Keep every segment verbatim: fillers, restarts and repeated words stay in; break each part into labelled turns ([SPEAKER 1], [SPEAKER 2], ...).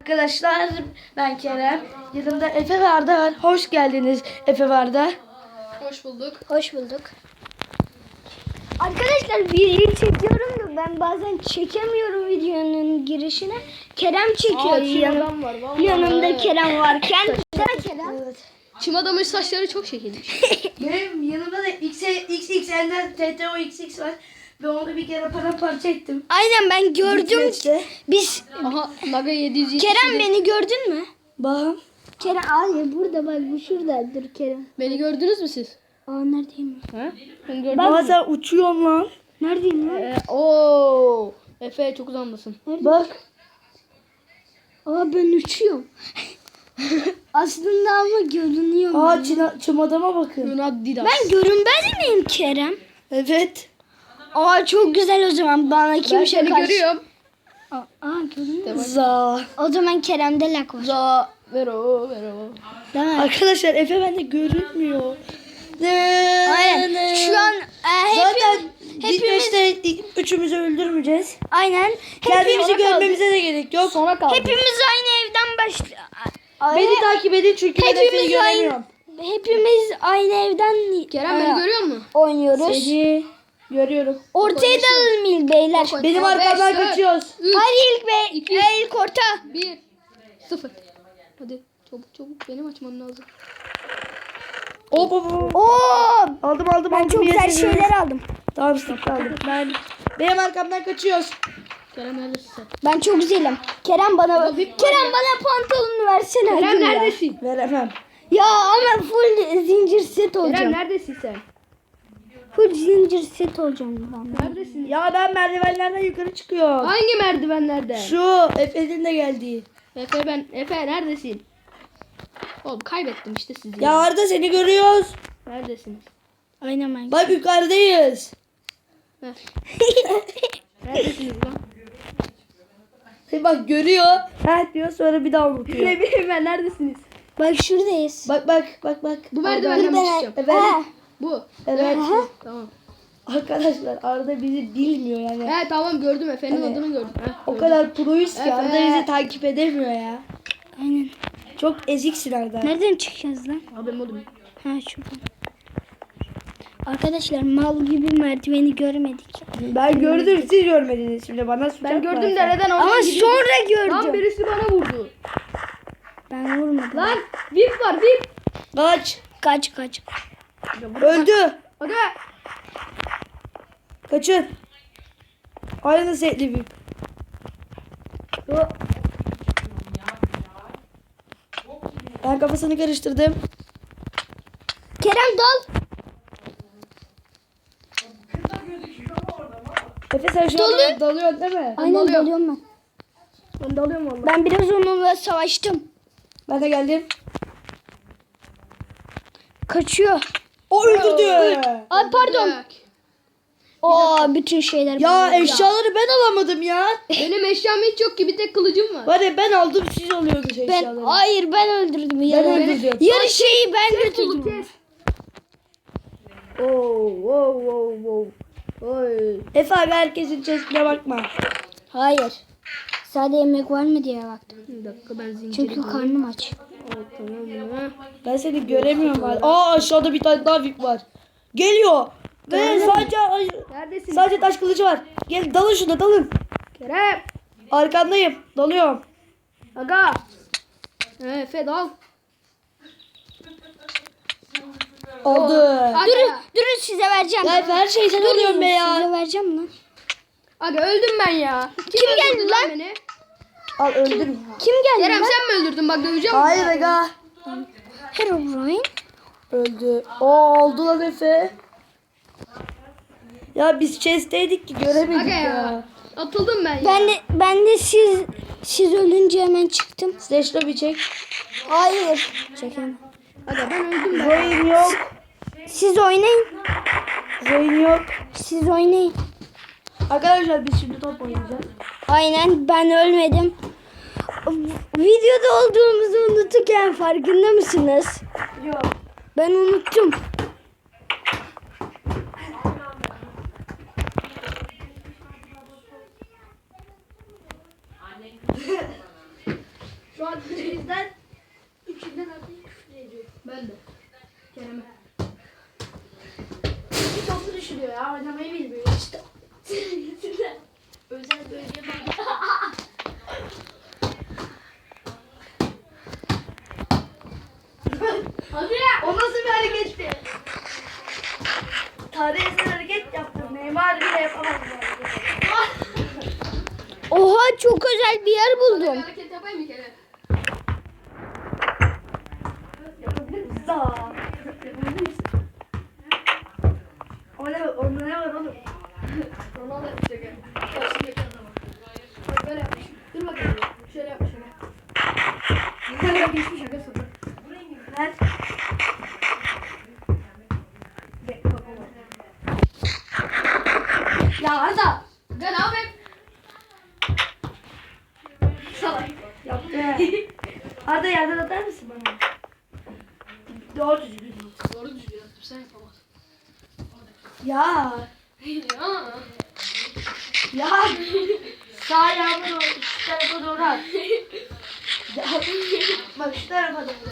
[SPEAKER 1] Arkadaşlar ben Kerem. Yanımda Efe ve Arda var. Hoş geldiniz Efe ve Arda.
[SPEAKER 2] Hoş bulduk.
[SPEAKER 3] Hoş bulduk. Arkadaşlar video çekiyorum da ben bazen çekemiyorum videonun girişine. Kerem çekiyor.
[SPEAKER 2] Aa, çim
[SPEAKER 3] yanım,
[SPEAKER 2] adam var, vallahi.
[SPEAKER 3] yanımda Kerem varken. Kerem.
[SPEAKER 1] Evet.
[SPEAKER 2] Çim adamın saçları çok şekilmiş.
[SPEAKER 1] Benim yanımda da X X L'den T T O X X var. Ve onu bir kere paramparça ettim.
[SPEAKER 3] Aynen ben gördüm.
[SPEAKER 1] Gitmekte.
[SPEAKER 3] Biz
[SPEAKER 2] Aha Naga yedi yüz yetmiş.
[SPEAKER 3] Kerem beni gördün mü?
[SPEAKER 1] Bakın.
[SPEAKER 3] Kerem hayır burada bak bu şurada dur Kerem.
[SPEAKER 2] Beni gördünüz mü siz?
[SPEAKER 3] Aa neredeyim?
[SPEAKER 2] Ha? Beni gördünüz
[SPEAKER 1] Aa
[SPEAKER 2] mü?
[SPEAKER 1] sen uçuyorsun lan.
[SPEAKER 3] Neredeyim lan?
[SPEAKER 2] Ee, Oo. Efe çok uzandasın.
[SPEAKER 1] Bak.
[SPEAKER 3] Aa ben uçuyorum. Aslında ama görünüyorum.
[SPEAKER 1] Aa
[SPEAKER 3] ben.
[SPEAKER 1] çim, çim adama bakın.
[SPEAKER 2] Yunad Didas.
[SPEAKER 3] Ben görünmez miyim Kerem?
[SPEAKER 1] Evet.
[SPEAKER 3] Aa çok güzel o zaman bana
[SPEAKER 2] Ben
[SPEAKER 3] kimse
[SPEAKER 2] seni
[SPEAKER 3] karşı.
[SPEAKER 2] görüyorum.
[SPEAKER 3] Aa, aa görünüyor.
[SPEAKER 1] Za.
[SPEAKER 3] O zaman Kerem'de lak var.
[SPEAKER 2] Za. Vero. Vero.
[SPEAKER 3] Değil mi?
[SPEAKER 1] Arkadaşlar Efe bende görünmüyor.
[SPEAKER 3] Aynen. Şu an e,
[SPEAKER 1] Zaten
[SPEAKER 3] hepimiz,
[SPEAKER 1] ilk
[SPEAKER 3] hepimiz
[SPEAKER 1] beşte üçümüzü öldürmeyeceğiz.
[SPEAKER 3] aynen.
[SPEAKER 1] Kendimizi
[SPEAKER 3] Hepimiz,
[SPEAKER 1] görmemize de gerek yok.
[SPEAKER 2] Sona kaldı.
[SPEAKER 3] hepimiz aynı evden başlıyor.
[SPEAKER 1] Beni takip edin çünkü ben Efe'yi
[SPEAKER 3] Hepimiz
[SPEAKER 1] göremiyorum.
[SPEAKER 3] aynı, hepimiz aynı evden
[SPEAKER 2] Kerem
[SPEAKER 3] e,
[SPEAKER 2] beni görüyor musun?
[SPEAKER 3] oynuyoruz.
[SPEAKER 1] Seni görüyorum.
[SPEAKER 3] Ortaya dalalım il beyler.
[SPEAKER 2] Bak,
[SPEAKER 1] Benim
[SPEAKER 2] Beş,
[SPEAKER 1] arkamdan
[SPEAKER 2] dört,
[SPEAKER 1] kaçıyoruz.
[SPEAKER 2] üç,
[SPEAKER 3] Hadi ilk bey,
[SPEAKER 2] iki,
[SPEAKER 3] e, ilk orta.
[SPEAKER 2] bir, sıfır. Hadi çabuk çabuk benim açmam lazım.
[SPEAKER 1] Hop hop hop.
[SPEAKER 3] Oo!
[SPEAKER 1] Aldım aldım
[SPEAKER 3] Ben
[SPEAKER 1] aldım.
[SPEAKER 3] çok güzel
[SPEAKER 1] Yesin.
[SPEAKER 3] şeyler aldım.
[SPEAKER 1] Tamam sık aldım. Ben benim arkamdan kaçıyoruz.
[SPEAKER 2] Kerem neredesin sen?
[SPEAKER 3] Ben çok güzelim. Kerem bana
[SPEAKER 2] Baba, bir-
[SPEAKER 3] Kerem bana pantolonunu versene.
[SPEAKER 2] Kerem
[SPEAKER 3] hadi ya.
[SPEAKER 2] neredesin?
[SPEAKER 1] Veremem.
[SPEAKER 3] Ya ama full zincir set olacağım.
[SPEAKER 2] Kerem neredesin sen?
[SPEAKER 3] Full zincir set olacağım ben.
[SPEAKER 2] Neredesin?
[SPEAKER 1] Ya ben merdivenlerden yukarı çıkıyorum.
[SPEAKER 2] Hangi merdivenlerde?
[SPEAKER 1] Şu Efe'nin de geldiği.
[SPEAKER 2] Efe ben Efe neredesin? Oğlum kaybettim işte sizi.
[SPEAKER 1] Ya Arda seni görüyoruz.
[SPEAKER 2] Neredesiniz?
[SPEAKER 3] Aynen ben.
[SPEAKER 1] Bak yukarıdayız.
[SPEAKER 2] Heh. Neredesiniz lan?
[SPEAKER 1] Seni bak görüyor. Ha diyor sonra bir daha unutuyor.
[SPEAKER 2] Ne bileyim ben neredesiniz?
[SPEAKER 3] Bak şuradayız.
[SPEAKER 1] Bak bak bak bak.
[SPEAKER 2] Bu
[SPEAKER 1] Arda-
[SPEAKER 2] merdivenden mi çıkacağım?
[SPEAKER 1] Evet.
[SPEAKER 3] Ha,
[SPEAKER 2] Bu.
[SPEAKER 1] Evet.
[SPEAKER 2] Tamam.
[SPEAKER 1] Arkadaşlar Arda bizi bilmiyor yani.
[SPEAKER 2] He tamam gördüm Efe'nin
[SPEAKER 1] Hani-
[SPEAKER 2] adını gördüm. Heh,
[SPEAKER 1] O
[SPEAKER 2] gördüm.
[SPEAKER 1] kadar proyuz ki
[SPEAKER 2] Evet.
[SPEAKER 1] Arda bizi takip edemiyor ya.
[SPEAKER 3] aynen.
[SPEAKER 1] Çok eziksin Arda.
[SPEAKER 3] Nereden çıkacağız lan?
[SPEAKER 2] Haberim oldu mu?
[SPEAKER 3] Ha şuradan. Arkadaşlar mal gibi merdiveni görmedik.
[SPEAKER 1] Ben gördüm siz görmediniz şimdi bana suç
[SPEAKER 2] Ben
[SPEAKER 1] atma
[SPEAKER 2] gördüm
[SPEAKER 1] Efe.
[SPEAKER 2] dereden oradan
[SPEAKER 3] Ama
[SPEAKER 2] gidiyorum.
[SPEAKER 3] sonra
[SPEAKER 2] Lan
[SPEAKER 3] gördüm.
[SPEAKER 2] birisi bana vurdu.
[SPEAKER 3] Ben vurmadım.
[SPEAKER 2] Lan VIP var VIP.
[SPEAKER 1] Kaç.
[SPEAKER 3] Kaç kaç.
[SPEAKER 1] Öldü.
[SPEAKER 2] Aga.
[SPEAKER 1] Kaçın. Aynı setli bir. Ben kafasını karıştırdım.
[SPEAKER 3] Kerem dal.
[SPEAKER 1] Efe sen şu
[SPEAKER 3] Dolu.
[SPEAKER 1] an dalıyorsun değil mi?
[SPEAKER 3] Aynen
[SPEAKER 2] dalıyorum.
[SPEAKER 3] dalıyorum ben.
[SPEAKER 2] Ben dalıyorum valla.
[SPEAKER 3] Ben biraz onunla savaştım.
[SPEAKER 1] Ben de geldim.
[SPEAKER 3] Kaçıyor.
[SPEAKER 1] O öldürdü.
[SPEAKER 3] Ay pardon. Oo bütün şeyler.
[SPEAKER 1] Ya
[SPEAKER 3] bana.
[SPEAKER 1] eşyaları ben alamadım ya.
[SPEAKER 2] Benim eşyam hiç yok ki bir tek kılıcım var.
[SPEAKER 1] Var ya ben aldım siz alıyordunuz
[SPEAKER 3] Ben
[SPEAKER 1] eşyaları.
[SPEAKER 3] hayır ben öldürdüm.
[SPEAKER 1] Ben
[SPEAKER 3] Yarı,
[SPEAKER 1] öldürdüm.
[SPEAKER 3] yarı şeyi ben
[SPEAKER 2] Kes kulu
[SPEAKER 3] götürdüm.
[SPEAKER 2] kes.
[SPEAKER 1] Oo, wow, wow, wow. Oy. Efe abi herkesin chestine bakma.
[SPEAKER 3] Hayır. Sadece yemek var mı diye baktım.
[SPEAKER 2] Bir dakika ben zinciri
[SPEAKER 3] Çünkü karnım aç.
[SPEAKER 2] Aa, tamam mı?
[SPEAKER 1] Ben seni göremiyorum abi. Aa aşağıda bir tane daha VIP var. Geliyor. Ve sadece
[SPEAKER 2] Neredesin?
[SPEAKER 1] sadece taş kılıcı var. Gel dalın şuna dalın.
[SPEAKER 2] Kerem.
[SPEAKER 1] Arkandayım. Dalıyorum.
[SPEAKER 2] Aga. He Efe dal.
[SPEAKER 1] Oldu.
[SPEAKER 2] Aga.
[SPEAKER 3] Durun, durun size vereceğim.
[SPEAKER 1] Ya Efe her şeyi sen alıyorsun be ya.
[SPEAKER 3] Size vereceğim lan.
[SPEAKER 2] Aga öldüm ben ya. Kim,
[SPEAKER 3] Kim geldi
[SPEAKER 2] öldürdü
[SPEAKER 3] lan?
[SPEAKER 2] Beni?
[SPEAKER 1] Al öldüm.
[SPEAKER 3] Kim geldi
[SPEAKER 2] Kerem
[SPEAKER 3] lan?
[SPEAKER 2] sen mi öldürdün? Bak döveceğim.
[SPEAKER 1] Hayır aga.
[SPEAKER 3] Herobrine.
[SPEAKER 1] Öldü. O oldu lan Efe. Ya biz chest'teydik ki göremedik
[SPEAKER 2] Aga
[SPEAKER 1] ya.
[SPEAKER 2] ya. Atıldım ben ya.
[SPEAKER 3] Ben de ben de siz siz ölünce hemen çıktım.
[SPEAKER 1] Slash lobby çek.
[SPEAKER 3] Hayır. Çekemem.
[SPEAKER 2] Aga ben öldüm ben.
[SPEAKER 1] Zoe'in yok.
[SPEAKER 3] Siz oynayın.
[SPEAKER 1] Zoe'in yok.
[SPEAKER 3] Siz oynayın.
[SPEAKER 1] Arkadaşlar biz şimdi top oynayacağız.
[SPEAKER 3] Aynen ben ölmedim. Videoda olduğumuzu unuturken farkında mısınız?
[SPEAKER 1] Yok.
[SPEAKER 3] Ben unuttum.
[SPEAKER 1] an üçünden üçünden artık küfür ediyor.
[SPEAKER 2] Ben de. Kerem'e.
[SPEAKER 1] Bir topu düşürüyor ya. Oynamayı bilmiyor işte. Özel bölge var.
[SPEAKER 2] Hadi ya.
[SPEAKER 1] O nasıl bir hareketti? Tarihi eser hareket yaptım. Neymar bile yapamaz bu hareketi.
[SPEAKER 3] Oha çok özel bir yer buldum.
[SPEAKER 2] Hareket yapayım mı Kerem?
[SPEAKER 1] Yapabilir misin? Zaa. Yapabilir misin? O ne? Onda ne var oğlum?
[SPEAKER 2] Ronaldo yapacak ya. Karşımdaki adama. Bak böyle yapmış. Dur bakalım. Şöyle yapmış şöyle. Böyle geçmiş şaka sonra.
[SPEAKER 1] Ver. Gel, bak oğlum.
[SPEAKER 2] Ya Arda. Ben ne yapayım? Salak.
[SPEAKER 1] Yaptı. Arda yerden atar mısın bana? Doğru düzgün.
[SPEAKER 2] Doğru düzgün yaptım. Sen yapamazsın.
[SPEAKER 1] Ya.
[SPEAKER 2] Ya.
[SPEAKER 1] Ya. Sağ ayağımı doğru, şu tarafa doğru at. Ya, bak şu tarafa doğru.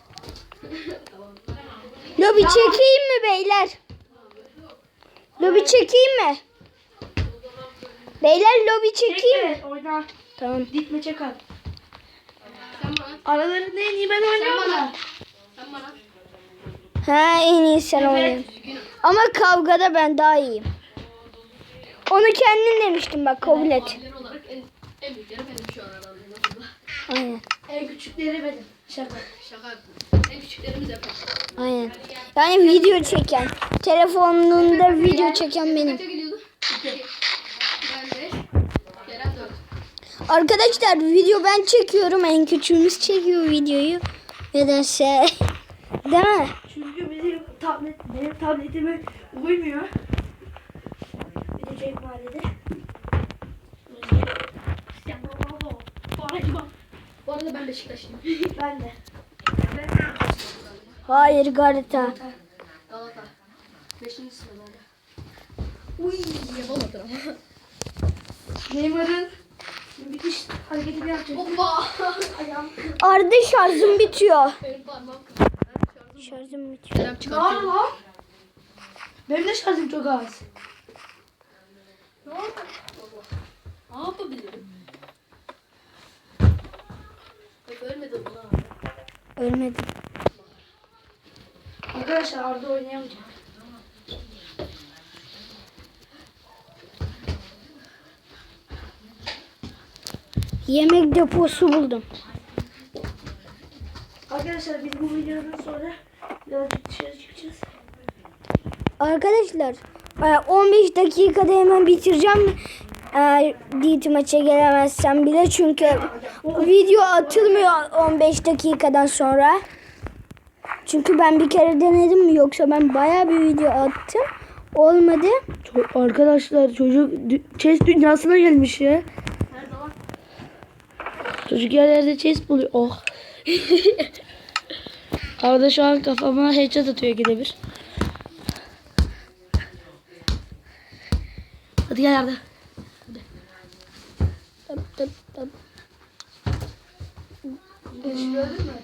[SPEAKER 3] Lobi çekeyim mi beyler? Lobi çekeyim mi? Beyler lobi çekeyim mi?
[SPEAKER 1] Çekme, oyna.
[SPEAKER 3] Tamam.
[SPEAKER 1] Dikme çek at.
[SPEAKER 2] Sen bana.
[SPEAKER 1] Aralarında en iyi ben
[SPEAKER 2] Sen
[SPEAKER 1] oynuyorum
[SPEAKER 2] bana.
[SPEAKER 1] da.
[SPEAKER 2] Sen bana.
[SPEAKER 3] Ha en iyi sen
[SPEAKER 1] Evet.
[SPEAKER 3] oynayın. Ama kavgada ben daha iyiyim. Onu kendin demiştin bak kabul et.
[SPEAKER 2] Abiler olarak en, en büyükleri benim şu an aramızda.
[SPEAKER 3] Aynen.
[SPEAKER 1] En küçükleri benim. Şaka.
[SPEAKER 2] Şaka yaptım. En küçüklerimiz yapar.
[SPEAKER 3] Aynen. Yani video çeken. Telefonunda video çeken benim.
[SPEAKER 2] Kaça gidiyordu? İki. Ben beş. Kerem dört.
[SPEAKER 3] Arkadaşlar video ben çekiyorum. En küçüğümüz çekiyor videoyu. Nedense. Değil mi?
[SPEAKER 1] Çünkü bizim tablet, benim tabletime uymuyor. Bir de Cenk mahallede.
[SPEAKER 2] Bu arada ben Beşiktaşlıyım.
[SPEAKER 1] Ben de.
[SPEAKER 3] Hayır Galata.
[SPEAKER 2] Galata. Beşinci sıralarda.
[SPEAKER 1] Uy.
[SPEAKER 2] Yapamadın ama.
[SPEAKER 1] Neymar'ın müthiş hareketini yapacak.
[SPEAKER 2] Hoppa.
[SPEAKER 1] Ayağım.
[SPEAKER 3] Arda şarjım bitiyor.
[SPEAKER 2] Benim parmağım.
[SPEAKER 3] Şarjım bitiyor.
[SPEAKER 2] Kerem
[SPEAKER 1] Ne
[SPEAKER 2] çıkartıyor.
[SPEAKER 1] var lan? Benim de şarjım çok az.
[SPEAKER 2] Ne oldu? Ne yapabilirim? Bak ölmedim lan.
[SPEAKER 3] Ölmedim.
[SPEAKER 1] Arkadaşlar Arda oynayamayacak.
[SPEAKER 3] Yemek deposu buldum.
[SPEAKER 1] Arkadaşlar biz bu videodan sonra birazcık dışarı çıkacağız.
[SPEAKER 3] Arkadaşlar e, on beş dakikada hemen bitireceğim. Eğer Diyet maça gelemezsem bile çünkü video atılmıyor on beş dakikadan sonra. Çünkü ben bir kere denedim mi yoksa ben bayağı bir video attım. Olmadı.
[SPEAKER 1] Arkadaşlar çocuk chess dünyasına gelmiş ya.
[SPEAKER 2] Her zaman.
[SPEAKER 1] Çocuk yerlerde chess buluyor. Oh. Arada şu an kafama headshot atıyor ikide bir. Hadi gel Arda.
[SPEAKER 3] Tıp tıp tıp.
[SPEAKER 1] Gördün mü?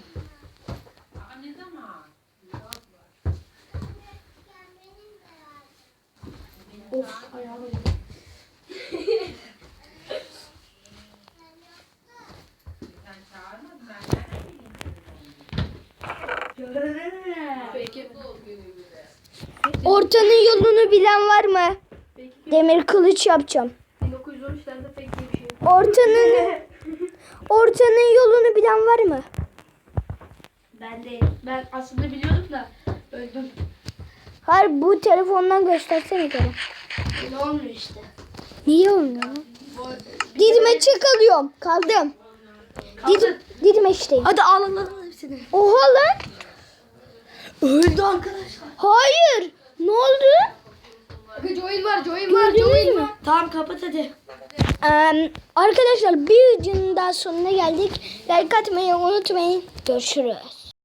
[SPEAKER 1] Of ayağım.
[SPEAKER 2] Peki.
[SPEAKER 3] Ortanın yolunu bilen var mı? Demir kılıç yapacağım.
[SPEAKER 2] bin dokuz yüz on üçlerde pek iyi bir şey.
[SPEAKER 3] Ortanın ortanın yolunu bilen var mı?
[SPEAKER 1] Ben de ben aslında biliyordum da öldüm.
[SPEAKER 3] Hayır bu telefondan göstersene Kerem.
[SPEAKER 1] Öyle olmuyor işte.
[SPEAKER 3] Niye olmuyor? Didime çık alıyorum. Kaldım. Didim, Didime işteyim.
[SPEAKER 1] Hadi al al al hepsini.
[SPEAKER 3] Oha lan.
[SPEAKER 1] Öldü arkadaşlar.
[SPEAKER 3] Hayır. Ne oldu?
[SPEAKER 2] Bakın join var, join var,
[SPEAKER 3] Gördünüz
[SPEAKER 2] join
[SPEAKER 3] mü?
[SPEAKER 2] var.
[SPEAKER 1] Tamam kapat hadi.
[SPEAKER 3] Ee, arkadaşlar bir videonun daha sonuna geldik. Like atmayı unutmayın. Görüşürüz.